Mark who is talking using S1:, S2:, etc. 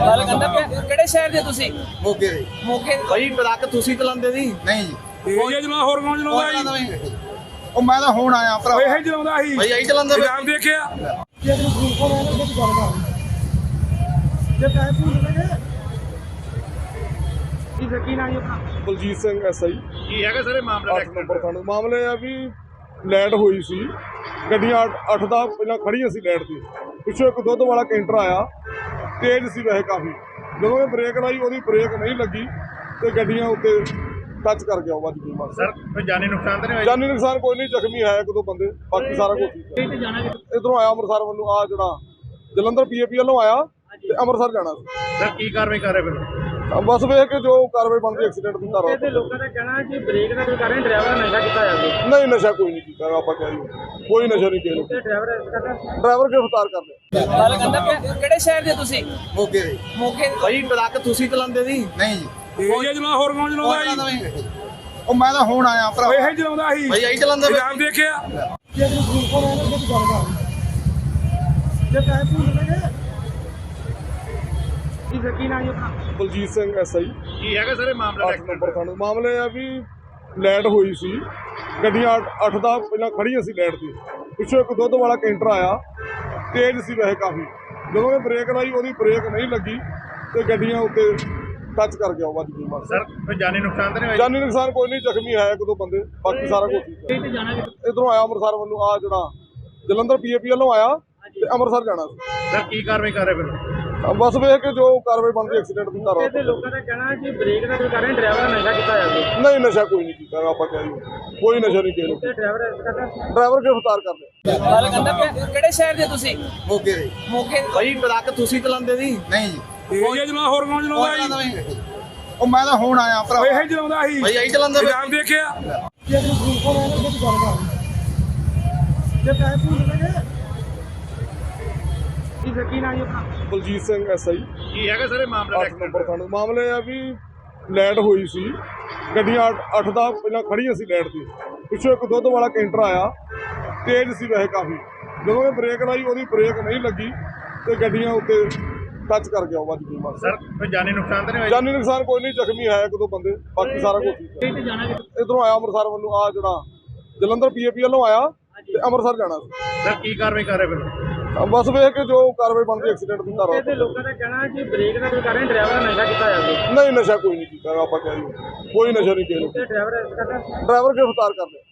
S1: ਗੱਲ ਕਹਿੰਦਾ ਕਿਹੜੇ ਸ਼ਹਿਰ ਦੇ ਤੁਸੀਂ?
S2: ਮੋਗੇ ਦੇ
S1: ਮੋਗੇ
S2: ਭਾਈ ਟਰੱਕ ਤੁਸੀਂ ਚਲਾਉਂਦੇ ਸੀ? ਨਹੀਂ ਜੀ
S3: ਇਹ ਜਨਾ ਹੋਰ ਕੌਣ ਚਲਾਉਂਦਾ ਸੀ?
S2: ਉਹ ਮੈਂ ਤਾਂ ਹੁਣ ਆਇਆ ਭਰਾ।
S3: ਇਹ ਚਲਾਉਂਦਾ ਸੀ
S2: ਭਾਈ ਆਈ ਚਲਾਉਂਦੇ ਪਏ।
S3: ਨਾਮ ਦੇਖਿਆ
S1: ਕੀ ਨਾਮ ਹੈ?
S4: ਬਲਜੀਤ ਸਿੰਘ ਐਸਆਈ
S2: ਕੀ ਹੈਗਾ ਸਰ ਇਹ ਮਾਮਲਾ?
S4: 8 ਨੰਬਰ ਥਾਣੇ ਮਾਮਲੇ ਆ ਵੀ ਲਾਈਟ ਹੋਈ ਸੀ, ਗੱਡੀਆਂ 8 ਦਾ ਪਹਿਲਾਂ ਖੜੀਆਂ ਸੀ ਲਾਈਟ ਤੇ, ਪਿੱਛੋਂ ਇੱਕ ਦੁੱਧ ਵਾਲਾ ਕੈਂਟਰ ਆਇਆ, ਤੇਜ਼ ਸੀ ਵੈਸੇ ਕਾਫੀ, ਜਦੋਂ ਇਹ ਬ੍ਰੇਕ ਲਾਈ ਉਹਦੀ ਬ੍ਰੇਕ ਨਹੀਂ ਲੱਗੀ ਤੇ ਗੱਡੀਆਂ ਉੱਤੇ ਟੱਚ ਕਰ ਗਿਆ, ਵੱਜ ਗਈ ਬਸ।
S2: ਸਰ ਕੋਈ ਜਾਨੀ ਨੁਕਸਾਨ ਤਾਂ ਨਹੀਂ ਹੋਇਆ?
S4: ਜਾਨੀ ਨੁਕਸਾਨ ਕੋਈ ਨਹੀਂ, ਜ਼ਖਮੀ ਹੈ ਇੱਕ ਦੋ ਬੰਦੇ, ਬਾਕੀ ਸਾਰਾ ਕੁਝ ਠੀਕ ਹੈ। ਇਧਰੋਂ ਆਇਆ ਅੰਮ੍ਰਿਤਸਰ ਵੱਲੋਂ, ਆ ਜਿਹੜਾ ਜਲੰਧਰ ਪੀਏਪੀ ਵੱਲੋਂ ਆਇਆ ਤੇ ਅੰਮ੍ਰਿਤਸਰ ਜਾਣਾ ਸੀ।
S2: ਸਰ ਕੀ ਕਾਰਵਾਈ ਕਰ ਰਹੇ ਫਿਰ?
S4: ਬਸ ਵੇਖ ਕੇ ਜੋ ਕਾਰਵਾਈ ਬਣਦੀ ਐਕਸੀਡੈਂਟ ਦੀ ਧਾਰਾ।
S1: ਤੇ ਲੋਕਾਂ ਦਾ ਕਹਿਣਾ ਕਿ ਬ੍ਰੇਕ ਦਾ ਕੋਈ ਕਾਰਨ ਡਰਾਈਵਰ ਨਸ਼ਾ ਕੀਤਾ ਜਾਵੇ।
S4: ਨਹੀਂ, ਨਸ਼ਾ ਕੋਈ ਨਹੀਂ ਕੀਤਾ, ਆਪਾਂ ਕਹੀਏ ਕੋਈ ਨਸ਼ਾ ਨਹੀਂ ਕੀਤਾ।
S1: ਤੇ
S4: ਡਰਾਈਵਰ ਗ੍ਰਿਫਤਾਰ ਕਰ ਲਿਆ।
S1: ਗੱਲ ਕਹਿੰਦਾ ਕਿਹੜੇ ਸ਼ਹਿਰ ਦੇ ਤੁਸੀਂ?
S2: ਮੋਗੇ ਦੇ
S1: ਮੋਗੇ
S2: ਭਾਈ ਟਰੱਕ ਤੁਸੀਂ ਚਲਾਉਂਦੇ ਸੀ? ਨਹੀਂ ਜੀ
S3: ਇਹ ਜਨਾ ਹੋਰ ਕੌਣ ਚਲਾਉਂਦਾ ਸੀ?
S2: ਉਹ ਮੈਂ ਤਾਂ ਹੁਣ ਆਇਆ ਭਰਾ।
S3: ਇਹ ਚਲਾਉਂਦਾ ਸੀ
S2: ਭਾਈ ਆਈ ਚਲਾਉਂਦੇ ਪਏ।
S3: ਨਾਮ ਦੇਖਿਆ
S1: ਕੀ ਨਾਮ ਹੈ?
S4: ਬਲਜੀਤ ਸਿੰਘ ਐਸਆਈ
S2: ਕੀ ਹੈਗਾ ਸਰ ਇਹ ਮਾਮਲਾ?
S4: 8 ਨੰਬਰ ਥਾਣੇ ਮਾਮਲੇ ਆ ਵੀ ਲਾਈਟ ਹੋਈ ਸੀ, ਗੱਡੀਆਂ 8 ਦਾ ਪਹਿਲਾਂ ਖੜੀਆਂ ਸੀ ਲਾਈਟ ਤੇ, ਪਿੱਛੋਂ ਇੱਕ ਦੁੱਧ ਵਾਲਾ ਕੈਂਟਰ ਆਇਆ, ਤੇਜ਼ ਸੀ ਵੈਸੇ ਕਾਫੀ, ਜਦੋਂ ਇਹ ਬ੍ਰੇਕ ਲਾਈ ਉਹਦੀ ਬ੍ਰੇਕ ਨਹੀਂ ਲੱਗੀ ਤੇ ਗੱਡੀਆਂ ਉੱਤੇ ਟੱਚ ਕਰ ਗਿਆ, ਵੱਜ ਗਈ ਬਸ।
S2: ਸਰ ਕੋਈ ਜਾਨੀ ਨੁਕਸਾਨ ਤਾਂ ਨਹੀਂ ਹੋਇਆ?
S4: ਜਾਨੀ ਨੁਕਸਾਨ ਕੋਈ ਨਹੀਂ, ਜ਼ਖਮੀ ਹੈ ਇੱਕ ਦੋ ਬੰਦੇ, ਬਾਕੀ ਸਾਰਾ ਕੁਝ ਠੀਕ ਹੈ। ਇਧਰੋਂ ਆਇਆ ਅੰਮ੍ਰਿਤਸਰ ਵੱਲੋਂ, ਆ ਜਿਹੜਾ ਜਲੰਧਰ ਪੀਏਪੀ ਵੱਲੋਂ ਆਇਆ ਤੇ ਅੰਮ੍ਰਿਤਸਰ ਜਾਣਾ ਸੀ।
S2: ਸਰ ਕੀ ਕਾਰਵਾਈ ਕਰ ਰਹੇ ਫਿਰ?
S4: ਬਸ ਵੇਖ ਕੇ ਜੋ ਕਾਰਵਾਈ ਬਣਦੀ ਐਕਸੀਡੈਂਟ ਦੀ ਧਾਰਾ।
S1: ਤੇ ਲੋਕਾਂ ਦਾ ਕਹਿਣਾ ਕਿ ਬ੍ਰੇਕ ਦਾ ਕੋਈ ਕਾਰਨ ਡਰਾਈਵਰ ਨਸ਼ਾ ਕੀਤਾ ਜਾਵੇ।
S4: ਨਹੀਂ, ਨਸ਼ਾ ਕੋਈ ਨਹੀਂ ਕੀਤਾ, ਆਪਾਂ ਕਹੀਏ ਕੋਈ ਨਸ਼ਾ ਨਹੀਂ ਕੀਤਾ।
S1: ਤੇ
S4: ਡਰਾਈਵਰ ਗ੍ਰਿਫਤਾਰ ਕਰ ਲਿਆ।
S1: ਗੱਲ ਕਹਿੰਦਾ ਕਿਹੜੇ ਸ਼ਹਿਰ ਦੇ ਤੁਸੀਂ?
S2: ਮੋਗੇ ਦੇ
S1: ਮੋਗੇ
S2: ਭਾਈ ਟਰੱਕ ਤੁਸੀਂ ਚਲਾਉਂਦੇ ਸੀ? ਨਹੀਂ ਜੀ
S3: ਇਹ ਜਨਾ ਹੋਰ ਕੌਣ ਚਲਾਉਂਦਾ ਸੀ?
S2: ਉਹ ਮੈਂ ਤਾਂ ਹੁਣ ਆਇਆ ਭਰਾ।
S3: ਇਹ ਚਲਾਉਂਦਾ ਸੀ
S2: ਭਾਈ ਆਈ ਚਲਾਉਂਦੇ ਪਏ।
S3: ਨਾਮ ਦੇਖਿਆ
S1: ਕੀ ਨਾਮ ਹੈ?
S4: ਬਲਜੀਤ ਸਿੰਘ ਐਸਆਈ
S2: ਕੀ ਹੈਗਾ ਸਰ ਇਹ ਮਾਮਲਾ?
S4: 8 ਨੰਬਰ ਥਾਣੇ ਮਾਮਲੇ ਆ ਵੀ ਲਾਈਟ ਹੋਈ ਸੀ, ਗੱਡੀਆਂ 8 ਦਾ ਪਹਿਲਾਂ ਖੜੀਆਂ ਸੀ ਲਾਈਟ ਤੇ, ਪਿੱਛੋਂ ਇੱਕ ਦੁੱਧ ਵਾਲਾ ਕੈਂਟਰ ਆਇਆ, ਤੇਜ਼ ਸੀ ਵੈਸੇ ਕਾਫੀ, ਜਦੋਂ ਇਹ ਬ੍ਰੇਕ ਲਾਈ ਉਹਦੀ ਬ੍ਰੇਕ ਨਹੀਂ ਲੱਗੀ ਤੇ ਗੱਡੀਆਂ ਉੱਤੇ ਟੱਚ ਕਰ ਗਿਆ, ਵੱਜ ਗਈ ਬਸ।
S2: ਸਰ ਕੋਈ ਜਾਨੀ ਨੁਕਸਾਨ ਤਾਂ ਨਹੀਂ ਹੋਇਆ?
S4: ਜਾਨੀ ਨੁਕਸਾਨ ਕੋਈ ਨਹੀਂ, ਜ਼ਖਮੀ ਹੈ ਇੱਕ ਦੋ ਬੰਦੇ, ਬਾਕੀ ਸਾਰਾ ਕੁਝ ਠੀਕ ਹੈ। ਇਧਰੋਂ ਆਇਆ ਅੰਮ੍ਰਿਤਸਰ ਵੱਲੋਂ, ਆ ਜਿਹੜਾ ਜਲੰਧਰ ਪੀਏਪੀ ਵੱਲੋਂ ਆਇਆ ਤੇ ਅੰਮ੍ਰਿਤਸਰ ਜਾਣਾ ਸੀ।
S2: ਸਰ ਕੀ ਕਾਰਵਾਈ ਕਰ ਰਹੇ ਫਿਰ?
S4: ਬਸ ਵੇਖ ਕੇ ਜੋ ਕਾਰਵਾਈ ਬਣਦੀ ਐਕਸੀਡੈਂਟ ਦੀ ਧਾਰਾ।
S1: ਤੇ ਲੋਕਾਂ ਦਾ ਕਹਿਣਾ ਕਿ ਬ੍ਰੇਕ ਦਾ ਕੋਈ ਕਾਰਨ ਡਰਾਈਵਰ ਨਸ਼ਾ ਕੀਤਾ ਜਾਵੇ।
S4: ਨਹੀਂ, ਨਸ਼ਾ ਕੋਈ ਨਹੀਂ ਕੀਤਾ, ਆਪਾਂ ਕਹੀਏ ਕੋਈ ਨਸ਼ਾ ਨਹੀਂ ਕੀਤਾ।
S1: ਤੇ
S4: ਡਰਾਈਵਰ ਗ੍ਰਿਫਤਾਰ ਕਰ ਲਿਆ।